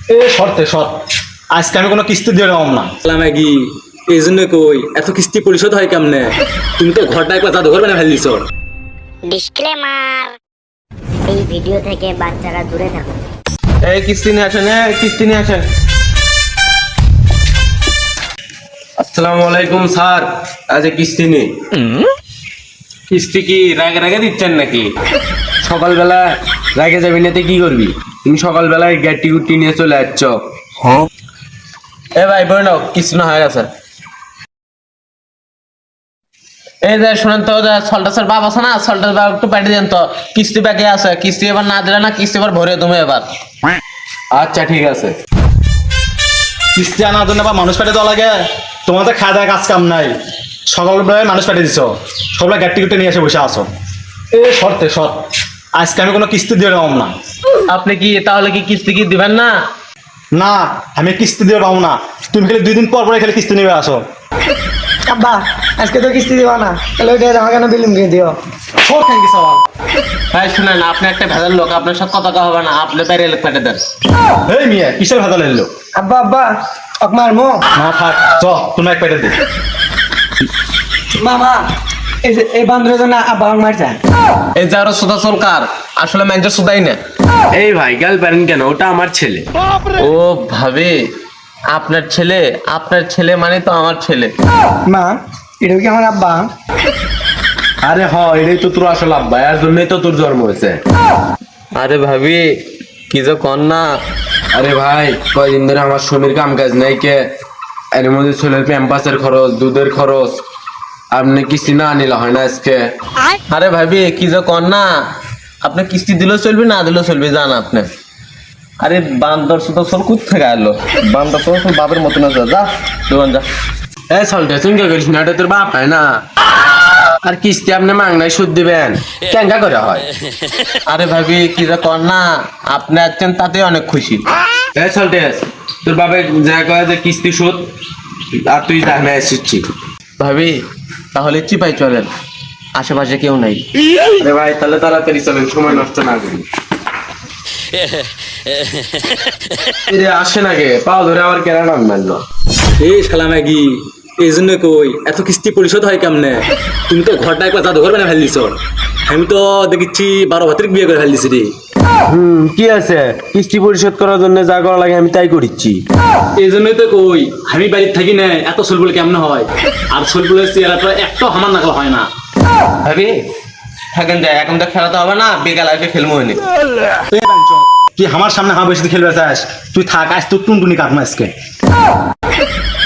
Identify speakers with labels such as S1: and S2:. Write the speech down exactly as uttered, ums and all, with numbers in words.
S1: এ শর্তে শর্ত আজকে আমি কোনো কিস্তি দিয়ে দেবো না।
S2: ম্যাগি এই জন্য কই এত কিস্তি পরিশোধ হয় কেমনে? তুমি তো ঘরটা একবার জাদুঘর বানিয়ে ফেলিস।
S3: ডিসক্লেমার, এই ভিডিও থেকে বাচ্চারা দূরে থাকুন।
S4: এই কিস্তি নিয়ে আসেন, এই কিস্তি নিয়ে আসেন। আসসালামু আলাইকুম স্যার, আজ কিস্তি নেই। কিস্তি কি রাগে রাগে দিচ্ছেন নাকি? সকালবেলা রাগে যাবি না তো কি করবি? তুমি সকালবেলায় গ্যাটি গুটি নিয়ে চলে যাচ্ছ। হ্যাঁ এ ভাই বই নাও, কিস্তি না হয়ে গেছে। এই যে শোনেন তো, সল্টাসের বাপ আছে না, সল্টাস বাপ একটু পাঠিয়ে দেন তো, কিস্তি বাকি আছে। কিস্তি এবার না দিলে না, কিস্তি এবার ভরে তুমি এবার। আচ্ছা ঠিক আছে।
S1: কিস্তি আনার জন্য বা মানুষ পাঠিয়ে দেওয়া লাগে? তোমাদের খাওয়া দাওয়া কাজ কাম নাই, সকালবেলায় মানুষ পাঠিয়ে দিচ্ছ, সকালে গাড়ি টিকিটে নিয়ে এসে বসে আসো। এ শর্তে শর্ত আজকে আমি কোনো কিস্তি দিয়ে দেবো না।
S4: আপনি কি তাহলে কি কিস্তি কি দিবেন না?
S1: না, আমি কিস্তি দিয়ে পাবো না। তুমি খালি দুই দিন পর পরে খালি কিস্তি নিবে আসো।
S5: আব্বা আজকে তো কিস্তি দিবা না, তাহলে ওইটা আমার কেন বিলুম কিনে দিও?
S1: সব থ্যাংক ইউ সবাই।
S4: ভাই শুনেন, আপনি একটা ভেজাল লোক, আপনার সব কথা কওয়া হবে না, আপনি বাইরে এলে পাঠিয়ে দেন।
S1: এই মিয়া কিসের ভেজাল এলো?
S5: আব্বা আব্বা অকমার মো
S1: না থাক, চ তুমি এক প্যাকেট দিই।
S5: মামা, এই যে এই বান্ধবের জন্য আব্বা আমাকে মারছে।
S4: এই যে আরো সুদা সরকার, আসলে ম্যানেজার সুদাই না। এই ভাই গাল পারেন কেন? ওটা আমার ছেলে। ও ভাবে আপনার ছেলে? আপনার ছেলে মানে তো আমার ছেলে।
S5: মা, এটা কি আমার আব্বা?
S4: আরে হ, এটাই তো তোর আসল আব্বা, এর জন্যই তো তোর জন্ম হয়েছে। আরে ভাবি কি যে কর না। আরে ভাই কয়দিন ধরে আমার স্বামীর কাম কাজ নাই কে, এর মধ্যে ছেলের প্যাম্পাসের খরচ, দুধের খরচ, আপনি কিস্তি না নিলে হয় না আজকে। আরে ভাবি কি যে কর না, আপনি কিস্তি দিলেও চলবে, না দিলেও চলবে, জান আপনি। আরে বান্দর সুতো সল কুত থেকে আলো, বান্দর সল বাপের মতন আছে, যা দোকান যা। এই সলটা চিন্তা করিস না, এটা তোর বাপ হয় না। আর কিস্তি আপনি মাংনায় সুদ দিবেন, কেঙ্গা করে হয়? আরে ভাবি কি যে কর না, আপনি আছেন তাতে অনেক খুশি। এই সলটেস, তোর বাবা যা কয় যে কিস্তি সুদ, আর তুই যা, আমি আসছি। ভাবি তাহলে চিপাই চলেন, আশেপাশে কেউ নাই। আরে ভাই তাহলে তাড়াতাড়ি চলেন, সময় নষ্ট না করি। আসে নাকি পাও ধরে আবার কেনা নাম মানলো।
S2: এই শালা ম্যাগি এই জন্য কই এত কিস্তি পরিশোধ হয় কেমনে? তুমি তো ঘরটা একবার জাদুঘর বানিয়ে ফেলিস। আমি তো দেখেছি বারো ভাতের বিয়ে করে ফেলিস রে।
S4: হুম কি আছে, কিস্তি পরিশোধ করার জন্য যা করা লাগে আমি তাই করিচ্ছি।
S2: এই জন্যই তো কই আমি বাড়িতে থাকি না, এত সোলবুল কেমনে হয়? আর সোলবুলের চেহারাটা একটু আমার নাকল হয় না।
S4: ভাবি থাকেন যায়, এখন তো খেলাতে হবে না, বিকাল আগে খেলবো হয়নি।
S1: তুই আমার সামনে হাঁ বেশি খেলবে চাস? তুই থাক, আজ তোর টুনটুনি কাটমা আজকে।